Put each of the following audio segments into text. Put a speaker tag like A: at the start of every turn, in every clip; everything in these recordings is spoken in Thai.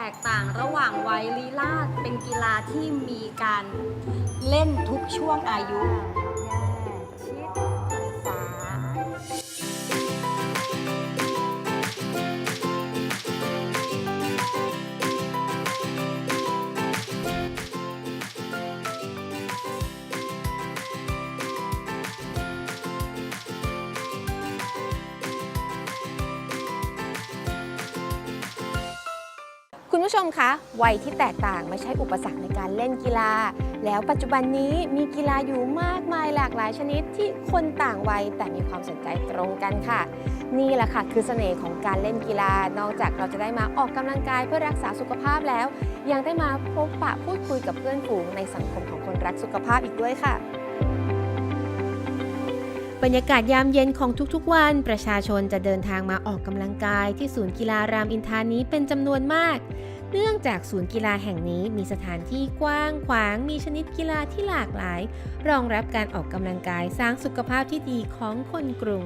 A: กต่างระหว่างวัยลีลาศเป็นกีฬาที่มีการเล่นทุกช่วงอายุแย่ชิดขวา
B: คุณผู้ชมคะวัยที่แตกต่างไม่ใช่อุปสรรคในการเล่นกีฬาแล้วปัจจุบันนี้มีกีฬาอยู่มากมายหลากหลายชนิดที่คนต่างวัยแต่มีความสนใจตรงกันค่ะนี่แหละค่ะคือเสน่ห์ของการเล่นกีฬานอกจากเราจะได้มาออกกำลังกายเพื่อรักษาสุขภาพแล้วยังได้มาพบปะพูดคุยกับเพื่อนฝูงในสังคมของคนรักสุขภาพอีกด้วยค่ะบรรยากาศยามเย็นของทุกๆวันประชาชนจะเดินทางมาออกกำลังกายที่ศูนย์กีฬารามอินทรานี้เป็นจำนวนมากเนื่องจากศูนย์กีฬาแห่งนี้มีสถานที่กว้างขวางมีชนิดกีฬาที่หลากหลายรองรับการออกกำลังกายสร้างสุขภาพที่ดีของคนกรุง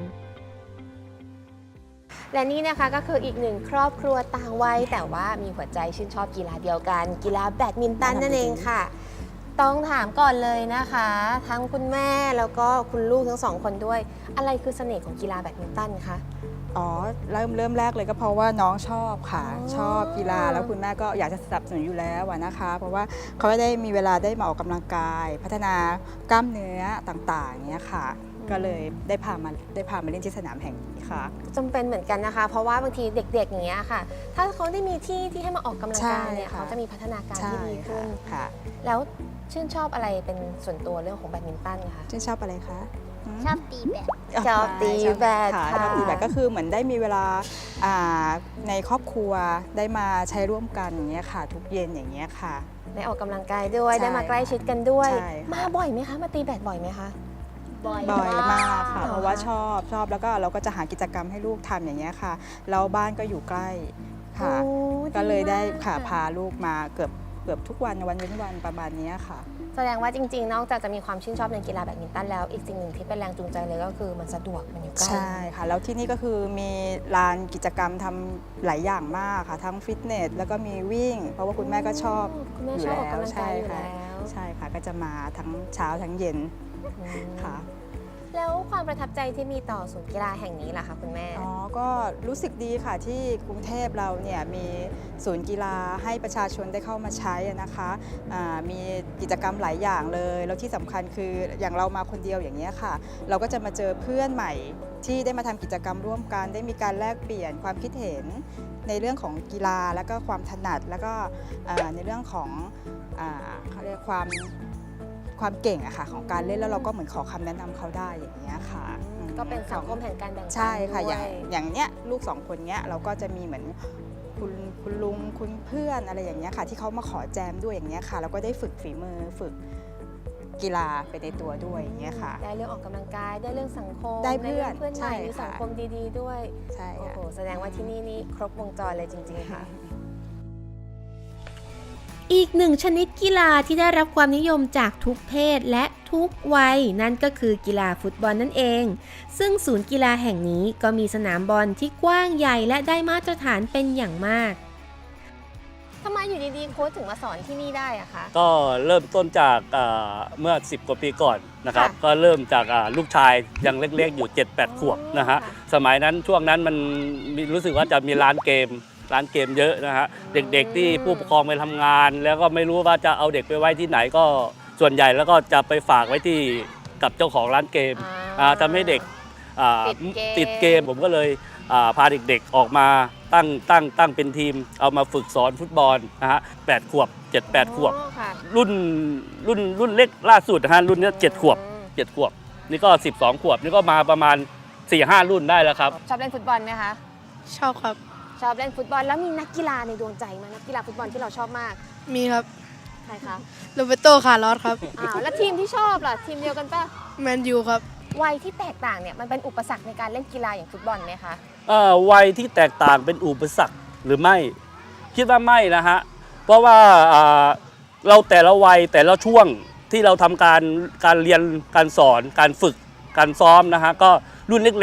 B: และนี่นะคะก็คืออีกหนึ่งครอบครัวต่างวัยแต่ว่ามีหัวใจชื่นชอบกีฬาเดียวกันกีฬาแบดมินตันนั่นเองค่ะต้องถามก่อนเลยนะคะทั้งคุณแม่แล้วก็คุณลูกทั้งสองคนด้วยอะไรคือเสน่ห์ของกีฬาแบดมินตันคะ
C: อ๋อเริ่มแรกเลยก็เพราะว่าน้องชอบค่ะชอบกีฬาแล้วคุณแม่ก็อยากจะสนับสนุนอยู่แล้วนะคะ เพราะว่าเขาได้มีเวลาได้มาออกกำลังกาย พัฒนากล้ามเนื้อต่างๆเนี้ยค่ะก็เลยได้พามาเล่นที่สนามแห่งนี้ค่ะ
B: จำเป็นเหมือนกันนะคะเพราะว่าบางทีเด็กๆอย่างเงี้ยค่ะถ้าเขาได้มีที่ให้มาออกกำลังกายเนี่ยเขาจะมีพัฒนาการที่ดีขึ้น
C: ค่ะ
B: แล้วชื่นชอบอะไรเป็นส่วนตัวเรื่องของแบดมินตันคะ
C: ชื่นชอบอะไรคะ
D: ชอบตีแบด
B: ชอบตีแบด
C: ค่ะชอบตีแบดก็คือเหมือนได้มีเวลาในครอบครัวได้มาใช้ร่วมกันอย่างเงี้ยค่ะทุกเย็นอย่างเงี้ยค่ะ
B: ได้ออกกำลังกายด้วยได้มาใกล้ชิดกันด้วยมาบ่อยไหมคะมาตีแบดบ่อยไหมคะ
C: บ่อยมากค่ะเพราะว่าชอบแล้วก็เราก็จะหากิจกรรมให้ลูกทำอย่างเงี้ยค่ะแล้วบ้านก็อยู่ใกล้ค่ะก็เลยได้ค่ะพาลูกมาเกือบทุกวันเว้นวันประมาณนี้ค่ะ
B: แสดงว่าจริงๆนอกจากจะมีความชื่นชอบในกีฬาแบดมินตันแล้วอีกสิ่งหนึ่งที่เป็นแรงจูงใจเลยก็คือมันสะดวกมันอยู่ใกล้
C: ใช่ค่ะแล้วที่นี่ก็คือมีลานกิจกรรมทำหลายอย่างมากค่ะทั้งฟิตเนสแล้วก็มีวิ่งเพราะว่าคุณแม่ก็ชอบ
B: อยู่แล้วใช่
C: ค่ะก็จะมาทั้งเช้าทั้งเย็นค่ะ
B: แล้วความประทับใจที่มีต่อศูนย์กีฬาแห่งนี้ล่ะคะคุณแม่
C: ก็รู้สึกดีค่ะที่กรุงเทพเราเนี่ยมีศูนย์กีฬาให้ประชาชนได้เข้ามาใช้นะคะมีกิจกรรมหลายอย่างเลยแล้วที่สำคัญคืออย่างเรามาคนเดียวอย่างนี้ค่ะเราก็จะมาเจอเพื่อนใหม่ที่ได้มาทำกิจกรรมร่วมกันได้มีการแลกเปลี่ยนความคิดเห็นในเรื่องของกีฬาแล้วก็ความถนัดแล้วก็ในเรื่องของเขาเรียกความเก่งอะค่ะของการเล่นแล้วเราก็เหมือนขอคำแนะนำเขาได้อย่างเงี้ยค่ะ
B: ก็เป็นสังคมแห่งการแบ่งปัน
C: ใช่ค่ะอย่างเนี้ยลูกสองคนเนี้ยเราก็จะมีเหมือนคุณลุงคุณเพื่อนอะไรอย่างเงี้ยค่ะที่เขามาขอแจมด้วยอย่างเงี้ยค่ะเราก็ได้ฝึกฝีมือฝึกกีฬาไปในตัวด้วยอย่างเงี้ยค่ะ
B: ได้เรื่องออกกำลังกายได้เรื่องสังคม
C: ได้เพื่อน
B: ใหม่มีสังคมดีๆด้วย
C: ใช่
B: โอ้โหแสดงว่าที่นี่ครบวงจรเลยจริงๆค่ะอีกหนึ่งชนิดกีฬาที่ได้รับความนิยมจากทุกเพศและทุกวัยนั่นก็คือกีฬาฟุตบอลนั่นเองซึ่งศูนย์กีฬาแห่งนี้ก็มีสนามบอลที่กว้างใหญ่และได้มาตรฐานเป็นอย่างมากทำไมอยู่ดีๆโค้ชถึงมาสอนที่นี่ได้อะคะ
E: ก็เริ่มต้นจากเมื่อ10 กว่าปีก่อนนะครับก็เริ่มจากลูกชายยังเล็กๆอยู่ 7-8 ขวบนะฮะสมัยนั้นช่วงนั้นมันรู้สึกว่าจะมีร้านเกมเยอะนะฮะเด็กๆที่ผู้ปกครองไปทำงานแล้วก็ไม่รู้ว่าจะเอาเด็กไปไว้ที่ไหนก็ส่วนใหญ่แล้วก็จะไปฝากไว้ที่กับเจ้าของร้านเกมทำให้เด็กติดเกมผมก็เลยพาเด็กๆออกมาตั้งเป็นทีมเอามาฝึกสอนฟุตบอลนะฮะ8 ขวบ 7-8 ขวบรุ่นเล็กล่าสุดนะฮะรุ่นนี้7 ขวบนี่ก็12 ขวบนี่ก็มาประมาณ 4-5 รุ่นได้แล้วครับ
B: ชอบเล่นฟุตบอลไหมคะ
D: ชอบครับ
B: ชอบเล่นฟุตบอลแล้วมีนักกีฬาในดวงใจไหมนักกีฬาฟุตบอลที่เราชอบมาก
D: มีครับ
B: ใครคะ
D: โรเบโตคาร์ลอสครับ
B: แล้วทีมที่ชอบล่ะทีมเดียวกันป่ะ
D: แมนยูครับ
B: วัยที่แตกต่างเนี่ยมันเป็นอุปสรรคในการเล่นกีฬาอย่างฟุตบอลไหมคะ
E: วัยที่แตกต่างเป็นอุปสรรคหรือไม่คิดว่าไม่นะฮะเพราะว่าเราแต่ละวัยแต่ละช่วงที่เราทำการเรียนการสอนการฝึกการซ้อมนะฮะก็รุ่นเล็กๆ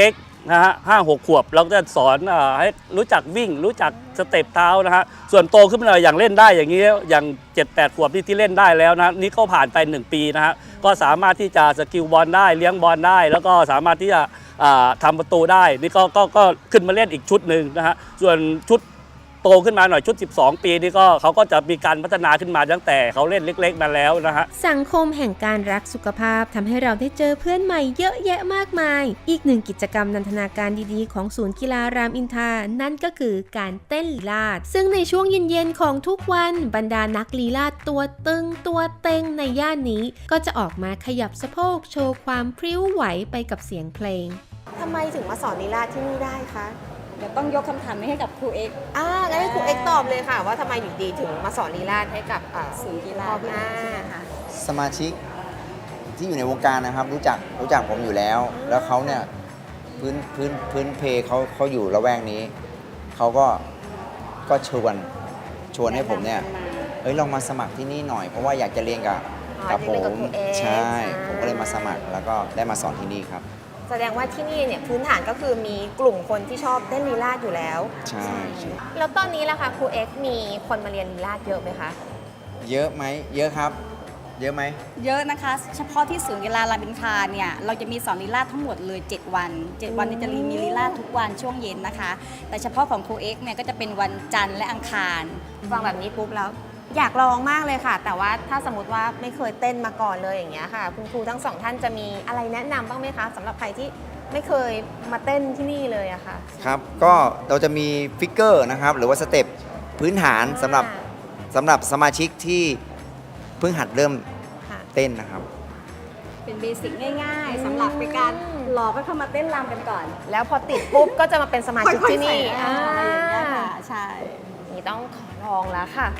E: นะฮะ5-6 ขวบเราก็จะสอนให้รู้จักวิ่งรู้จักสเต็ปเท้านะฮะส่วนโตขึ้นมาหน่อยอย่างเล่นได้อย่างนี้อย่าง 7-8 ขวบที่เล่นได้แล้วนะนี่ก็ผ่านไป1 ปีนะฮะก็สามารถที่จะสกิลบอลได้เลี้ยงบอลได้ แล้วก็สามารถที่จะทำประตูได้นี่ก็ขึ้นมาเล่นอีกชุดหนึ่งนะฮะส่วนชุดโตขึ้นมาหน่อยชุด12 ปีนี่ก็เขาก็จะมีการพัฒนาขึ้นมาตั้งแต่เขาเล่นเล็กๆมาแล้วนะฮะ
B: สังคมแห่งการรักสุขภาพทำให้เราได้เจอเพื่อนใหม่เยอะแยะมากมาย อีกหนึ่งกิจกรรมนันทนาการดีๆของศูนย์กีฬารามอินทรานั่นก็คือการเต้นลีลาศซึ่งในช่วงเย็นๆของทุกวันบรรดานักลีลาศตัวตึงตัวเต็งในย่านนี้ก็จะออกมาขยับสะโพกโชว์ความพริ้วไหวไปกับเสียงเพลงทำไมถึงมาสอนลีลาศที่นี่ได้คะ
A: เดี๋ยวต้องยกคำถามนี้ให้กับครูเอ็กซ์
B: งั้นให้ครูเอ็กซ์ตอบเลยค่ะว่าทำไมอยู่ดีถึงมาสอนลีลาศให้กับ
A: ศูนย์กีฬาค่ะ
F: สมาชิกที่อยู่ในวงการนะครับรู้จักผมอยู่แล้ว แล้วเขาเนี่ยพื้นเพเขาอยู่ละแวกนี้เขาก็ชวนให้ผมเนี่ยลองมาสมัครที่นี่หน่อยเพราะว่าอยากจะเรียนกับผมใช่ผมก็เลยมาสมัครแล้วก็ได้มาสอนที่นี่ครับ
B: แสดงว่าที่นี่เนี่ยพื้นฐานก็คือมีกลุ่มคนที่ชอบเต้นลีลาศอยู่แล้ว
F: ใช่
B: แล้วตอนนี้ล่ะคะครูเอ็กซ์มีคนมาเรียนลีลาศเยอะไหมคะ
F: เยอะไหมเยอะครับเยอะไหม
A: เยอะนะคะเฉพาะที่ศูนย์กีฬารามอินทราเนี่ยเราจะมีสอนลีลาศทั้งหมดเลย7 วันเนี่ยจะมีลีลาศทุกวันช่วงเย็นนะคะแต่เฉพาะของครูเอ็กซ์เนี่ยก็จะเป็นวันจันทร์และอังคาร
B: ฟังแบบนี้ปุ๊บแล้วอยากลองมากเลยค่ะแต่ว่าถ้าสมมติว่าไม่เคยเต้นมาก่อนเลยอย่างเงี้ยค่ะคุณครูทั้ง2 ท่านจะมีอะไรแนะนำบ้างไหมคะสำหรับใครที่ไม่เคยมาเต้นที่นี่เลยอะค่ะ
F: ครับก็เราจะมีฟิกเกอร์นะครับหรือว่าสเต็ปพื้นฐานสำหรับสมาชิกที่เพิ่งหัดเริ่มเต้นนะครับ
A: เป็นเบสิกง่ายๆสำหรับเป็นการหลอกให้เข้ามาเต้นรำกันก่อน
B: แล้วพอติดปุ๊บก็จะมาเป็นสมาชิกที่นี่
A: อะไรอย่างเงี้ยค่ะใช่
B: นี่ต้องขอลองแล้วค่ะ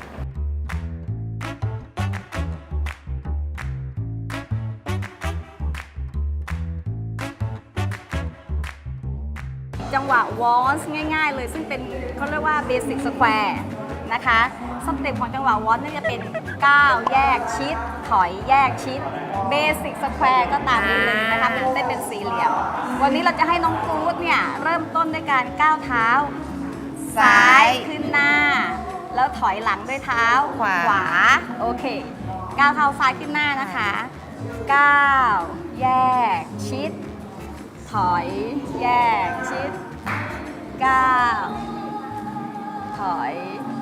A: จังหวะวอลซ์ง่ายๆเลยซึ่งเป็นเขาเรียกว่าเบสิกสแควร์นะคะสเต็ปของจังหวะวอลซ์นี่จะเป็นก้าวแยกชิดถอยแยกชิดเบสิกสแควร์ก็ตามนี้เลยนะคะเป็นเส้นเป็นสี่เหลี่ยมวันนี้เราจะให้น้องกู๊ดเนี่ยเริ่มต้นด้วยการก้าวเท้าซ้ายขึ้นหน้าแล้วถอยหลังด้วยเท้าขวาโอเคก้าวเท้าซ้ายขึ้นหน้านะคะก้าวแยกชิดถอยแยกชิดก้าวถอย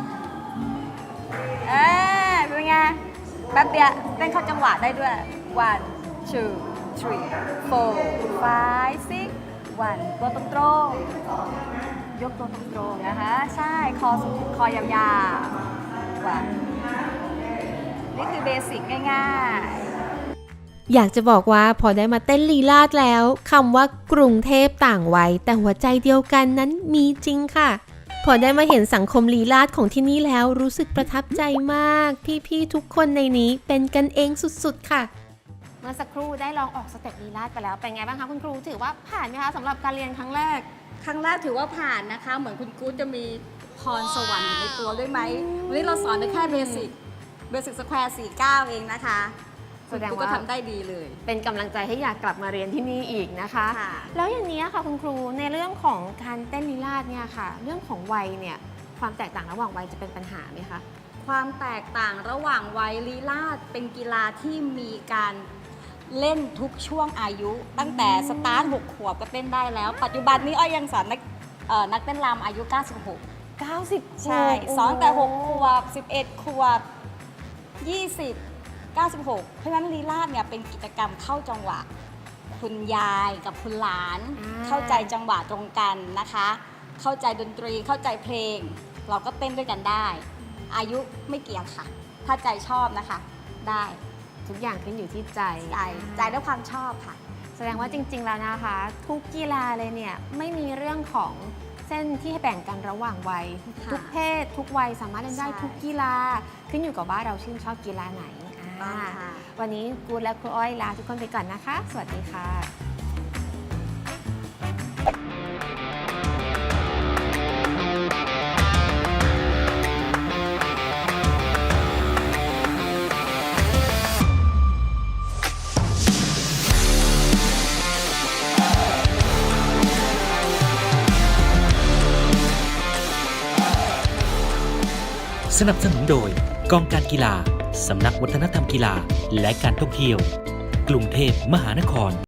A: เป็นไงแป๊บเดียวเต้นเข้าจังหวะได้ด้วย 1 2 3 4 5 6 1ตัวตรงๆยกตัวตรงๆนะคะใช่คอยาวๆวันนี่คือเบสิกง่ายๆ
B: อยากจะบอกว่าพอได้มาเต้นลีลาศแล้วคำว่ากรุงเทพต่างวัยแต่หัวใจเดียวกันนั้นมีจริงค่ะพอได้มาเห็นสังคมลีลาศของที่นี่แล้วรู้สึกประทับใจมากพี่ๆทุกคนในนี้เป็นกันเองสุดๆค่ะเมื่อสักครู่ได้ลองออกสเต็ปลีลาศไปแล้วเป็นไงบ้างคะคุณครูถือว่าผ่านไหมคะสำหรับการเรียนครั้งแรก
A: ถือว่าผ่านนะคะเหมือนคุณกู๊ดจะมีพรสวรรค์อยู่ในตัวด้วยไหมวันนี้เราสอนได้แค่เบสิกสแควร์4 ก้าวเองนะคะแสดงว่าทำได้ดีเลย
B: เป็นกำลังใจให้อยากกลับมาเรียนที่นี่อีกนะคะแล้วอย่างนี้ค่ะคุณครูในเรื่องของการเต้นลีลาศเนี่ยค่ะเรื่องของวัยเนี่ยความแตกต่างระหว่างวัยจะเป็นปัญหาไหมคะ
A: ความแตกต่างระหว่างวัยลีลาศเป็นกีฬาที่มีการเล่นทุกช่วงอายุตั้งแต่สตาร์ท6 ขวบก็เต้นได้แล้วปัจจุบันนี้อ้อยยังสอนนักเต้นรำอายุ96ใช่สอนแต่6 ขวบ11 ขวบ20 96เพราะฉะนั้นลีลาศเนี่ยเป็นกิจกรรมเข้าจังหวะคุณยายกับคุณหลานเข้าใจจังหวะตรงกันนะคะเข้าใจดนตรีเข้าใจเพลงเราก็เต้นด้วยกันได้อายุไม่เกี่ยงค่ะถ้าใจชอบนะคะได้
B: ทุกอย่างขึ้นอยู่ที่ใจ
A: ด้วยความชอบค่ะ
B: แสดงว่าจริงๆแล้วนะคะทุกกีฬาเลยเนี่ยไม่มีเรื่องของเส้นที่ให้แบ่งกันระหว่างวัยทุกเพศทุกวัยสามารถเล่นได้ทุกกีฬาขึ้นอยู่กับว่าเราชื่นชอบกีฬาไหนวันนี้กูและครูอ้อยลาทุกคนไปก่อนนะคะสวัสดีค่ะ
G: สนับสนุนโดยกองการกีฬา สำนักวัฒนธรรมกีฬาและการท่องเที่ยว กรุงเทพมหานคร